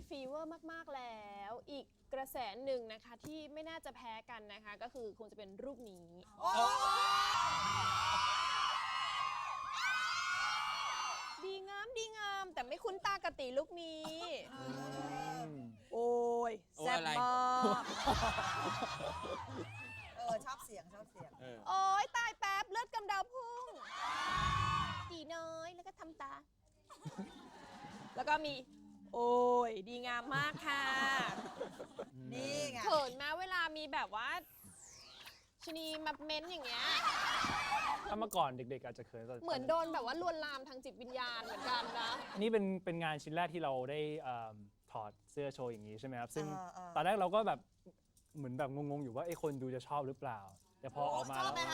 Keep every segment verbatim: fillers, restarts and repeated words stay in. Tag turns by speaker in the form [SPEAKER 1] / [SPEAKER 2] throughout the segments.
[SPEAKER 1] ฟีเวอร์มากๆแล้วอีกกระแสหนึ่งนะคะที่ไม่น่าจะแพ้กันนะคะก็คือคงจะเป็นรูปนี้ดีงามดีงามแต่ไม่คุ้นตากติลูกนี้โอ้ยแซ่บมาก
[SPEAKER 2] เออชอบเสียงชอบเสียง
[SPEAKER 1] โอ้ยตายแป๊บเลือดกำเดาพุ่งดีน้อยแล้วก็ทำตาแล้วก็มีโอ้ยดีงามมากค่ะ
[SPEAKER 2] นี่ไง
[SPEAKER 1] เขินมาเวลามีแบบว่าชนีมาเม้นอย่างเงี้ย
[SPEAKER 3] ถ้าเมื่อก่อนเด็กๆอาจจะเขิน
[SPEAKER 1] เหมือนโดนแบบว่าลวนลามทางจิตวิญญาณเหมือนกันนะ
[SPEAKER 3] อันนี้เป็นเป็นงานชิ้นแรกที่เราได้ถอดเสื้อโชว์อย่างนี้ใช่ไหมครับซึ่งตอนแรกเราก็แบบเหมือนแบบงงๆอยู่ว่าไอ้คนดูจะชอบหรือเปล่าแต่พอออกมาแล้ว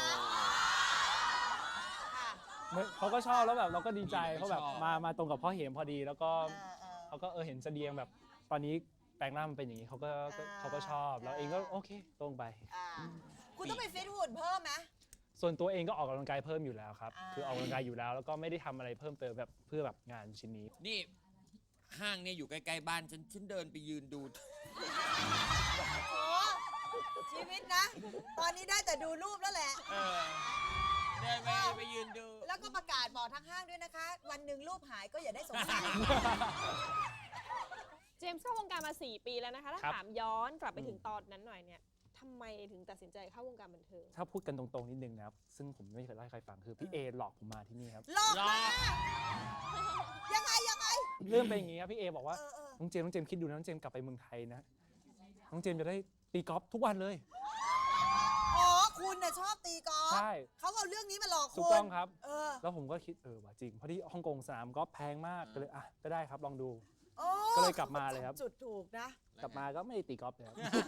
[SPEAKER 3] เขาก็ชอบแล้วแบบเราก็ดีใจเขาแบบมามาตรงกับพ่อเหมพอดีแล้วก็เขาก็เออเห็นเสดียงแบบตอนนี้แปลงร่างมันเป็นอย่างนี้เขาก็เขาก็ชอบแล้วเองก็โอเคตรงไป
[SPEAKER 2] คุณต้องไปฟิตหุ่นเพิ่มไหม
[SPEAKER 3] ส่วนตัวเองก็ออกกำลังกายเพิ่มอยู่แล้วครับคือออกกำลังกายอยู่แล้วแล้วก็ไม่ได้ทำอะไรเพิ่มเติมแบบเพื่อแบบงานชิ้นนี้
[SPEAKER 4] นี่ห้างเนี่ยอยู่ใกล้ๆบ้านฉันฉันเดินไปยืนดู
[SPEAKER 2] โอ้ชีวิตนะตอนนี้ได้แต่ดูรูปแล้วแหละ
[SPEAKER 4] เดินไปไปยืนดู
[SPEAKER 2] แล้วก็ประกาศบอกทั้งห้างด้วยนะคะวันหนึ่งรูปหายก็อย่าได้สงสัย
[SPEAKER 1] เจมส์เข้าวงการมาสี่ปีแล้วนะคะถ้าถามย้อนกลับไปถึงตอนนั้นหน่อยเนี่ยทำไมถึงตัดสินใจเข้าวงการบันเทิง
[SPEAKER 3] ถ้าพูดกันตรงๆนิดนึงนะครับซึ่งผมไม่เคยเล่าให้ใครฟังคือพี่เอหลอกผมมาที่นี่ครับ
[SPEAKER 2] หลอกมายังไงยังไง
[SPEAKER 3] เรื่องเป็นอย่างนี้ครับพี่เอบอกว่าน้องเจมส์น้องเจมส์คิดดูนะน้องเจมส์กลับไปเมืองไทยนะน้องเจมส์จะได้ตีกอล์ฟทุกวันเลย
[SPEAKER 2] อ๋อคุณน่ะชอบตีกอล์ฟใช่เขาเอาเรื่องนี้มาหลอกคุณถู
[SPEAKER 3] กต้องครับแล้วผมก็คิดเออว่าจริงเพราะที่ฮ่องกงสนามกอล์ฟแพงมากก็เลยอ่ะก็ได้ครับลองดูก็เลยกลับมาเลยครับ
[SPEAKER 2] จุดถูกนะ
[SPEAKER 3] กลับมาก็ไม่ได้ตีกอล์ฟเลย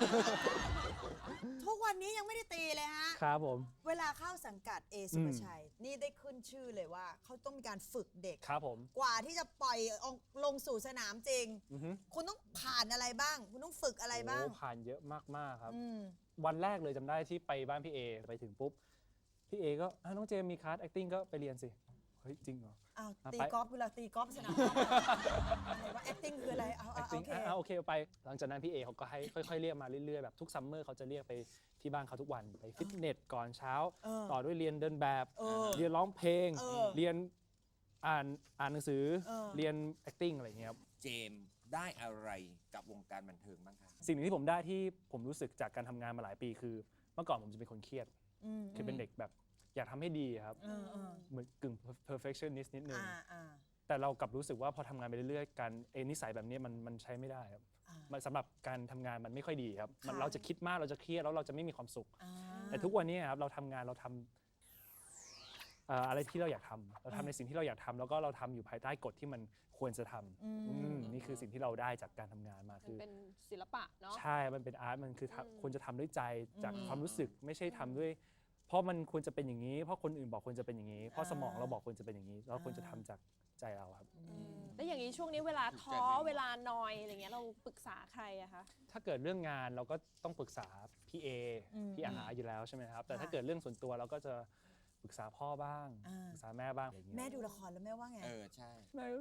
[SPEAKER 2] ทุกวันนี้ยังไม่ได้ตีเลยฮะ
[SPEAKER 3] ครับผม
[SPEAKER 2] เวลาเข้าสังกัดเอสุภชัยนี่ได้ขึ้นชื่อเลยว่าเขาต้องมีการฝึกเด็ก
[SPEAKER 3] ครับผม
[SPEAKER 2] กว่าที่จะปล่อยลงสู่สนามจริงคุณต้องผ่านอะไรบ้างคุณต้องฝึกอะไรบ้าง
[SPEAKER 3] ผ่านเยอะมากๆครับวันแรกเลยจำได้ที่ไปบ้านพี่เอไปถึงปุ๊บพี่เอก็น้องเจมมีคลาส acting ก็ไปเรียนสิเฮ้ยจริงเหรอ
[SPEAKER 2] อ้าวตีกอล์ฟเวลาตีกอล์ฟสนามว่า acting คืออะไรเอาโอเค
[SPEAKER 3] โอเคไปหลังจากนั้นพี่เอเขาก็ให้ค่อยๆเรียกมาเรื่อยๆแบบทุกซัมเมอร์เขาจะเรียกไปที่บ้านเขาทุกวันไปฟิตเนสก่อนเช้าต่อด้วยเรียนเดินแบบเรียนร้องเพลงเรียนอ่านอ่านหนังสือเรียน acting อะไรเงี้ยครับ
[SPEAKER 4] เจมได้อะไรกับวงการบันเทิงบ้างคะ
[SPEAKER 3] สิ่งหนึ่งที่ผมได้ที่ผมรู้สึกจากการทำงานมาหลายปีคือเมื่อก่อนผมจะเป็นคนเครียดคือเป็นเด็กแบบอยากทำให้ดีครับเหมือนกึ่ง perfectionist นิดนึงแต่เรากลับรู้สึกว่าพอทำงานไปเรื่อยๆการเอนิสัยแบบนี้มันมันใช้ไม่ได้ครับมันสำหรับการทำงานมันไม่ค่อยดีครับมันเราจะคิดมากเราจะเครียดแล้วเราจะไม่มีความสุขแต่ทุกวันนี้ครับเราทำงานเราทำอะไรที่เราอยากทำเราทำในสิ่งที่เราอยากทำแล้วก็เราทำอยู่ภายใต้กฎที่มันควรจะทำนี่คือสิ่งที่เราได้จากการทำงานมาคือ
[SPEAKER 1] เป็นศิลปะเนาะ
[SPEAKER 3] ใช่มันเป็นอาร์ตมันคือควรจะทำด้วยใจจากความรู้สึกไม่ใช่ทำด้วยเพราะมันควรจะเป็นอย่างนี้เพราะคนอื่นบอกควรจะเป็นอย่างนี้เพราะสมองเราบอกควรจะเป็นอย่างนี้เราควรจะทำจากใจเราครับ
[SPEAKER 1] แล้วอย่างนี้ช่วงนี้เวลาท้อเวลานอยอะไรเงี้ยเราปรึกษาใครอะคะ
[SPEAKER 3] ถ้าเกิดเรื่องงานเราก็ต้องปรึกษาพี่เอพี่อาหาอยู่แล้วใช่ไหมครับแต่ถ้าเกิดเรื่องส่วนตัวเราก็จะปรึกษาพ่อบ้างปรึกษาแม่บ้าง
[SPEAKER 2] แม่ดูละครแล้วแม่ว่าไง
[SPEAKER 4] เออใช่
[SPEAKER 3] แม่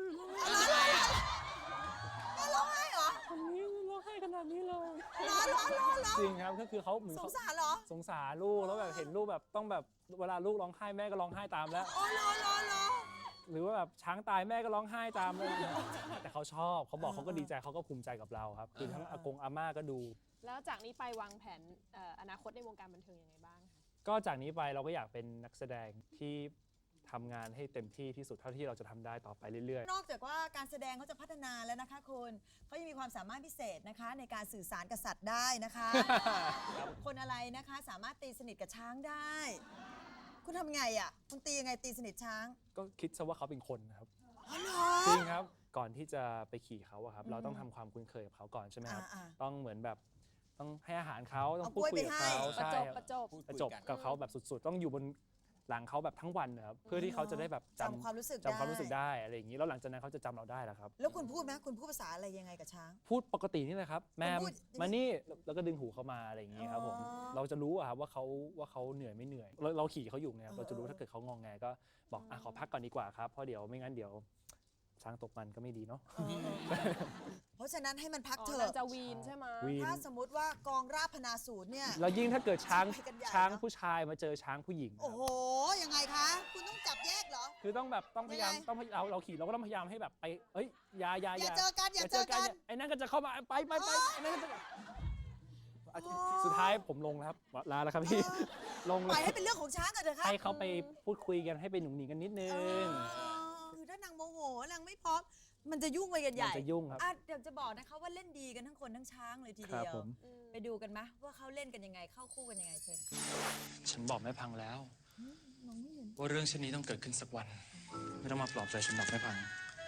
[SPEAKER 2] แม่ร้องไห้เหรอ
[SPEAKER 3] คนนี้ร้องไห้ขนาดนี้เลย
[SPEAKER 2] ร้องร้องร้องร้อง
[SPEAKER 3] จริงครับก็คือเขาเหมือน
[SPEAKER 2] สงสารเหรอ
[SPEAKER 3] สงสารลูกแล้วแบบเห็นลูกแบบต้องแบบเวลาลูกร้องไห้แม่ก็ร้องไห้ตามแล้ว
[SPEAKER 2] อ๋อร้องร้องร้อง
[SPEAKER 3] หรือว่าแบบช้างตายแม่ก็ร้องไห้ตามเลยแต่เขาชอบเขาบอกเขาก็ดีใจเขาก็ภูมิใจกับเราครับคือทั้งอากงอาม่าก็ดู
[SPEAKER 1] แล้วจากนี้ไปวางแผนอนาคตในวงการบันเทิงยังไงบ้างคะ
[SPEAKER 3] ก็จากนี้ไปเราก็อยากเป็นนักแสดงที่ทำงานให้เต็มที่ที่สุดเท่าที่เราจะทำได้ต่อไปเรื่อย
[SPEAKER 2] ๆนอกจากว่าการแสดงเขาจะพัฒนาแล้วนะคะคุณเขายังมีความสามารถพิเศษนะคะในการสื่อสารกับสัตว์ได้นะคะคนอะไรนะคะสามารถตีสนิทกับช้างได้คุณทำไงอ่ะคุณตียังไงตีสนิทช้าง
[SPEAKER 3] ก็คิดซะว่าเขาเป็นคนนะครับ
[SPEAKER 2] อ๋อเหรอ
[SPEAKER 3] จริงครับก่อนที่จะไปขี่เขาอะครับเราต้องทำความคุ้นเคยกับเขาก่อนใช่ไหมครับต้องเหมือนแบบต้องให้อาหารเขาต้องพูดคุยกับเขา
[SPEAKER 1] ใช่ประจบ
[SPEAKER 3] ประจบกับเขาแบบสุดๆต้องอยู่บนหลังเขาแบบทั้งวันนะครับเพื่อที่เขาจะได้แบบ
[SPEAKER 2] จำความรู้สึก
[SPEAKER 3] จำความรู้สึกได้อะไรอย่างนี้แล้วหลังจากนั้นเขาจะจำเราได้แล้วครับ
[SPEAKER 2] แล้วคุณพูดไหมคุณพูดภาษาอะไรยังไงกับช้าง
[SPEAKER 3] พูดปกตินี่แหละครับแม่มานี่แล้วก็ดึงหูเขามาอะไรอย่างนี้ครับผมเราจะรู้อะครับว่าเขาว่าเขาเหนื่อยไม่เหนื่อยเราขี่เขาอยู่ไงเราจะรู้ถ้าเกิดเขางองแงก็บอกอ่ะขอพักก่อนดีกว่าครับเพราะเดี๋ยวไม่งั้นเดี๋ยวช้างตกมันก็ไม่ดีเนาะ
[SPEAKER 2] เออเพราะฉะนั้นให้มันพัก
[SPEAKER 1] อ๋อ
[SPEAKER 2] เถ
[SPEAKER 1] นาง
[SPEAKER 2] อะ
[SPEAKER 1] จะวีนใช่ไหม
[SPEAKER 3] วีน
[SPEAKER 2] ถ้าสมมติว่ากองราบพนาสูตรเนี่ย
[SPEAKER 3] แล้วยิ่งถ้าเกิดช้าง
[SPEAKER 2] ไปกันใหญ่
[SPEAKER 3] ช้าง
[SPEAKER 2] เนอะ
[SPEAKER 3] ผู้ชายมาเจอช้างผู้หญิงนะ
[SPEAKER 2] โอ้
[SPEAKER 3] ค
[SPEAKER 2] โห
[SPEAKER 3] รับ
[SPEAKER 2] ยังไงคะ คุณต้องจับแยกเหรอ
[SPEAKER 3] คือต้องแบบต้องพยายาม
[SPEAKER 2] ยังไง
[SPEAKER 3] ต้องเราเราขี่เราก็ต้องพยายามให้แบบไปเอ้ยอย่าอย่า
[SPEAKER 2] อย่าเจอกันอย่าเจอกัน
[SPEAKER 3] ไอ้นั่นก็จะเข้ามาไปไปไปไอ้นั่นก็จะ
[SPEAKER 2] โอ้
[SPEAKER 3] สุดท้ายผมลงแล้วครับลาแล้วครับพี่ ลง
[SPEAKER 2] ป
[SPEAKER 3] เล
[SPEAKER 2] ล่อย
[SPEAKER 3] ย
[SPEAKER 2] ให้เป็นเรื่องของช้างกันเถอะครับ
[SPEAKER 3] ให้เขาไปพูดคุยกันให้ไปหนุ่มหนิงกันนิดนึ
[SPEAKER 2] เอง อคือถ้านางโมโหนางไม่พร้อม มันจะยุ่งไปกันให
[SPEAKER 3] มัน
[SPEAKER 2] ญ่
[SPEAKER 3] จะยุ่งครับ
[SPEAKER 2] อ่ะเดี๋ยวจะบอกนะคะว่าเล่นดีกันทั้งคนทั้งช้างเลยที
[SPEAKER 3] ครั
[SPEAKER 2] เดี
[SPEAKER 3] บ
[SPEAKER 2] ยว
[SPEAKER 3] ผม
[SPEAKER 1] อืม
[SPEAKER 2] ไปดูกันไหมว่าเขาเล่นกันยังไงเข้าคู่กันยังไงเชิญค่ะ
[SPEAKER 5] ฉันบอกแม่พังแล้ว
[SPEAKER 2] มองไม่เห็น
[SPEAKER 5] ว่าเรื่องเช่นนี้ต้องเกิดขึ้นสักวัน ไม่ต้องมาปลอบใจฉันหรอกแม่พัง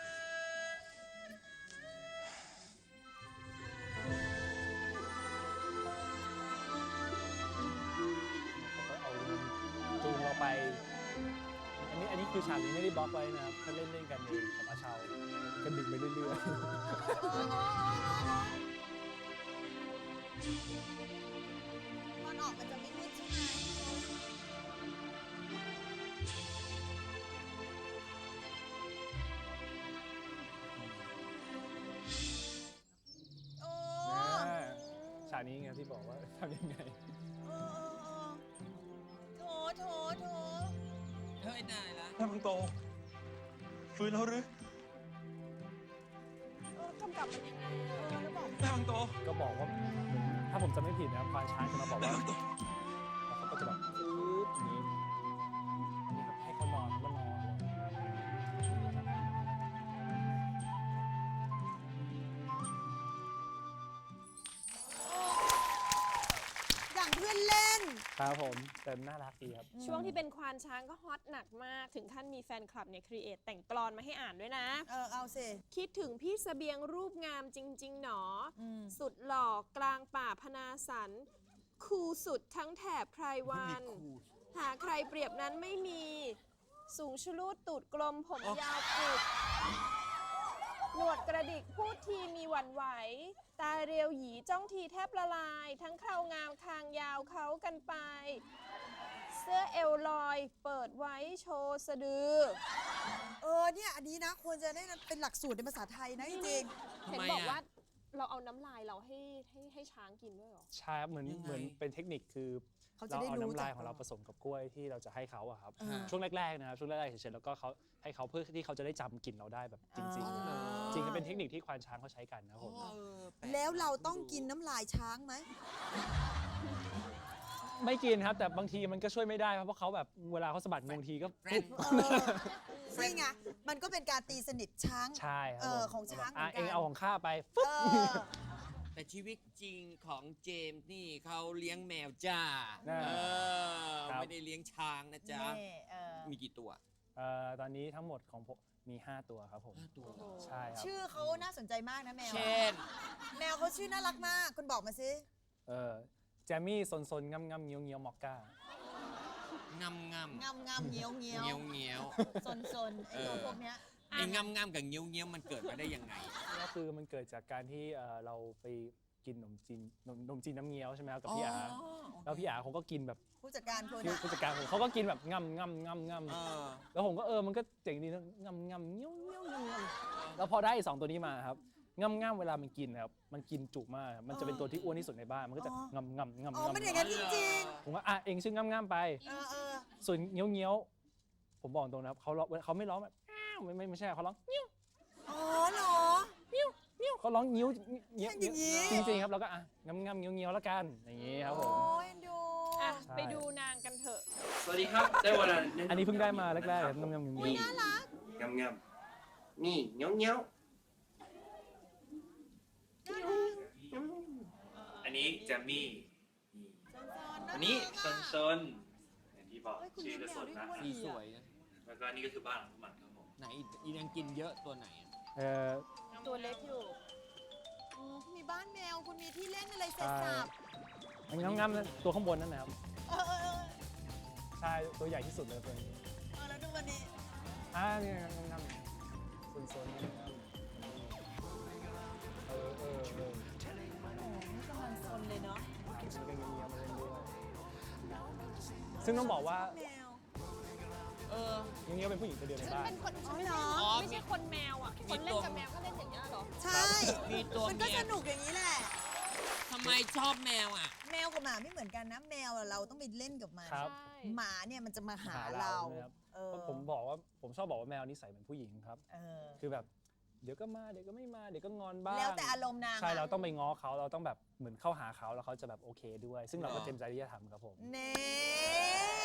[SPEAKER 3] เอาจูงเราไป อันนี้อันนี้คือฉากนี้ไม่ได้บล็อกไว้นะครับถ้าเล่นเล่นกันเองกับอาชาวก็ดึงไปเรื่อยๆ
[SPEAKER 2] ตอนออกมันจะไม่มืดใช่ไหมโอ้
[SPEAKER 3] อ่าฉากนี้ไงที่บอกว่าทำยังไง
[SPEAKER 2] เออโถโถโถ
[SPEAKER 4] เฮ้ยได้ละ
[SPEAKER 5] แม่พังโต ฟื้นแล้วหรือ
[SPEAKER 1] เออกำกับมันยังไงอะเออแล้วบอก
[SPEAKER 5] แม่พังโต
[SPEAKER 3] ก็บอกว่าถ้าผมจำไม่ผิดนะครับควานช้างจะมาบอกว่าแล้วเขาก็จะแบบปึ๊บอย่างนี้นี่ครับให้เขานอนเขาก็นอนเลย
[SPEAKER 2] อย่างเพื่อนเล่น
[SPEAKER 3] ครับผมแต่น่ารักดีครับ
[SPEAKER 1] ช่วงที่เป็นควานช้างก็ฮอตหนักมาก ถึงขั้นมีแฟนคลับเนี่ยครีเอทแต่งกลอนมาให้อ่านด้วยนะ
[SPEAKER 2] เออ เอาสิ
[SPEAKER 1] คิดถึงพี่เสบียงรูปงามจริง ๆ หนอ
[SPEAKER 2] อืม
[SPEAKER 1] สุดหล่อกลางป่าพนาสัน คูลสุดทั้งแถบไพรวัน หาใครเปรียบนั้นไม่มี สูงชะลูดตูดกลมผมยาวปลุกหนวดกระดิกพูดทีมีหวั่นไหว ตาเรียวหยีจ้องทีแทบละลาย ทั้งเคราวงามคางยาวเขากันไป เสื้อเอวลอยเปิดไว้โชว์สะดือ
[SPEAKER 2] เออ เนี่ย อันนี้นะ ควรจะได้เป็นหลักสูตรในภาษาไทยนะจริง
[SPEAKER 1] เห็นบอกว่าเราเอาน้ำลายเราให้ให้ให้ช้างกินด้วยเหรอ
[SPEAKER 3] ใช่ครับเหมือน
[SPEAKER 4] ยังไง
[SPEAKER 3] เหมือนเป็นเทคนิคคือ
[SPEAKER 2] ๆเขาจะ
[SPEAKER 3] เรา
[SPEAKER 2] ได้
[SPEAKER 3] เอา
[SPEAKER 2] รู้
[SPEAKER 3] น้ำลาย
[SPEAKER 2] จัก
[SPEAKER 3] ของเราผสมกับกล้วยที่เราจะให้เขาอะครับ
[SPEAKER 2] อ่า
[SPEAKER 3] ช่วงแรกๆนะครับช่วงแรกๆเฉยๆแล้วก็เขาให้เขาเพื่อที่เขาจะได้จำกลิ่นเราได้แบบจริง
[SPEAKER 2] อ่า
[SPEAKER 3] ๆ จริงๆเป็นเทคนิคที่ควานช้างเขาใช้กันนะครับผม
[SPEAKER 4] เออปก
[SPEAKER 2] แล้วเราต้องกินน้ำลายช้างไหม
[SPEAKER 3] ไม่กินครับแต่บางทีมันก็ช่วยไม่ได้ครับเพราะเขาแบบเวลาเขาสะบัดงวงทีก็
[SPEAKER 4] แฟ
[SPEAKER 3] ปุ๊
[SPEAKER 4] น
[SPEAKER 3] บ
[SPEAKER 2] เออนี่ไง มันก็เป็นการตีสนิทช้าง
[SPEAKER 3] ใช่ครับ
[SPEAKER 2] เออ
[SPEAKER 3] ผม
[SPEAKER 2] ของช้างเหมื
[SPEAKER 3] อ่ะ
[SPEAKER 2] อนกัน
[SPEAKER 3] เองเอาของข้าไป
[SPEAKER 2] เอ
[SPEAKER 3] ฟึ๊บ
[SPEAKER 2] อ
[SPEAKER 4] แต่ชีวิตจริงของเจมส์นี่เขาเลี้ยงแมวจ้า
[SPEAKER 3] น่า
[SPEAKER 4] เออ
[SPEAKER 3] ครับ
[SPEAKER 4] ไม่ได้เลี้ยงช้างนะจ๊ะ
[SPEAKER 2] นี่เออ
[SPEAKER 4] มีกี่ตัว
[SPEAKER 3] เอ่อตอนนี้ทั้งหมดของผมมี ห้า ตัวครับผม
[SPEAKER 4] ห้าตัว
[SPEAKER 3] ใช่ครับ
[SPEAKER 2] ชื่อเขาน่าสนใจมากนะแมว
[SPEAKER 4] เช่น
[SPEAKER 2] แมวเขาชื่อน่ารักมาก คุณบอกมาสิ
[SPEAKER 3] เออแจมมี่ซนซนงำงำเงี้ยวเงี้ยวมอกก้าง
[SPEAKER 4] ำงำ
[SPEAKER 2] งามงามเงี้ยวเงี้ยว
[SPEAKER 4] เงี้ยวเงี้ยว
[SPEAKER 2] ซนซนไอตัวพวกเนี้ย
[SPEAKER 4] ไอ้งำงำกับเงี้ยวเงี้ยวมันเกิดมาได้ยังไง
[SPEAKER 3] ก็คือมันเกิดจากการที่เอ่อเราไปกินขนมจีนขนมขนมจีนน้ำเงี้ยวใช่ไหมครับกับพี่อาแล้วพี่อาเขาก็กินแบบ
[SPEAKER 2] ผู้จัดการคุณ
[SPEAKER 3] ที่
[SPEAKER 2] อะ
[SPEAKER 3] ผู้จัดการผมเขาก็กินแบบงำงำงำง
[SPEAKER 4] เออ
[SPEAKER 3] ำแล้วผมก็เออมันก็เจ๋งดีนะงำงำเงี้ยวเงี้ยวงำงำแล้วพอได้สองตัวนี้มาครับงำงำเวลามันกินนะครับมันกินจุมากมันจะเป็นตัวที่อ้วนที่สุดในบ้านมันก็จะงำงำงำ
[SPEAKER 2] อ๋อ
[SPEAKER 3] งำ
[SPEAKER 2] มันอย่างนั้นจริง
[SPEAKER 3] ผมว่าอ่ะเองชื่องำงำไป
[SPEAKER 2] ๆ เออเออ
[SPEAKER 3] ส่วนเงี้ยวเงี้ยวผมบอกตรงนะครับเขาร้องเขาไม่ร้องแบบอ้าวไม่ไม่ไม่ใช่เขาร้องเงี้ยว
[SPEAKER 2] อ๋อเหรอ
[SPEAKER 3] เงี้ยวเขาร้องเงี้ยวเงี้ยว
[SPEAKER 2] อย่างงี้
[SPEAKER 3] จริงๆครับแล้วก็อ่ะงำงำเงี้ยวเงี้ยวแล้วกันอย่างงี้ครับผม
[SPEAKER 2] โอ้ยเอ็นดู
[SPEAKER 1] อ่ะ
[SPEAKER 3] ใช่
[SPEAKER 1] ไปดูนางกันเถอะ
[SPEAKER 5] สวัสดีครับ ได้เวลา
[SPEAKER 3] อันนี้เพิ่งได้มาแรกๆเลยงำงำเงี้ยวเงี้ยว
[SPEAKER 2] น่ารัก
[SPEAKER 5] งำงำนี่เงี้ยวเงี้ยวอันนี้แจมมี่นี่อันนี้ซนซนอย่างที่บอก
[SPEAKER 2] เฮ้ยคุณ
[SPEAKER 5] ชื่อ
[SPEAKER 2] เลี้
[SPEAKER 5] ก็
[SPEAKER 2] ยงแม
[SPEAKER 5] ส
[SPEAKER 2] วน ด้วย
[SPEAKER 5] นะ
[SPEAKER 2] ด้วย
[SPEAKER 4] สีสวยนะ
[SPEAKER 5] แล้วก็นี่ก็คือบ้านของพวกมันครับผม
[SPEAKER 4] ไหนอีนางกินเยอะตัวไหนอะ
[SPEAKER 3] เออ
[SPEAKER 1] ตัวเล็กอยู่
[SPEAKER 2] อืมมีบ้านแมว คุณมีที่เล่นอะไรเสร็จสับ
[SPEAKER 3] งำงำนั่นตัวข้างบนนั่นนะครับ
[SPEAKER 2] เออเออเออ
[SPEAKER 3] ใช่ตัวใหญ่ที่สุดเลยตัวนี้
[SPEAKER 2] เออแล้วดูวันนี้
[SPEAKER 3] อ่านี่งำงำส่วนส่วนงำงำเออเออเออ
[SPEAKER 2] โอ้นี่กำลังซนเลยเนาะ
[SPEAKER 3] อันนี้ก็เงี้ยวเงี้ยวมาเล่นด้วยซึ่งต้องบอกว่า
[SPEAKER 2] แมว
[SPEAKER 4] เอออ
[SPEAKER 3] อย่างเงี้ยเป็นผู้หญิงตัวเดียวใน
[SPEAKER 1] ฉัน
[SPEAKER 3] บ้าน
[SPEAKER 1] เป็นคนฉัน
[SPEAKER 2] อ๋อเหรอ
[SPEAKER 1] ไม่ใช่คนแมวอ่ะ คนเล่นกับแมวก็เล่นอย่างเงี้ยเหรอ
[SPEAKER 2] ใช่
[SPEAKER 4] มีตัว
[SPEAKER 2] มันก็
[SPEAKER 4] เมีย
[SPEAKER 2] สนุกอย่างนี้แหละ
[SPEAKER 4] ทำไมชอบแมวอ่ะ
[SPEAKER 2] แมวกับหมาไม่เหมือนกันนะ แมวอะเราต้องไปเล่นกับมัน
[SPEAKER 3] ครับ
[SPEAKER 1] ใช่
[SPEAKER 2] หมาเนี่ยมันจะมาหา
[SPEAKER 3] หา
[SPEAKER 2] เรา
[SPEAKER 3] นะครับ
[SPEAKER 2] เออ
[SPEAKER 3] เพราะผมบอกว่าผมชอบบอกว่าแมวนิสัยเหมือนผู้หญิงครับ
[SPEAKER 2] เออ
[SPEAKER 3] คือแบบเดี๋ยวก็มาเดี๋ยวก็ไม่มาเดี๋ยวก็งอนบ้าง
[SPEAKER 2] แล้วแต่อารมณ์นาง
[SPEAKER 3] ใช่
[SPEAKER 2] อะ
[SPEAKER 3] เราต้องไปง้อเขาเราต้องแบบเหมือนเข้าหาเขาแล้วเขาจะแบบโอเคด้วย ซึ่งเราก็
[SPEAKER 4] หรอ
[SPEAKER 3] เต็มใจที่จะทำครับผม
[SPEAKER 2] เน่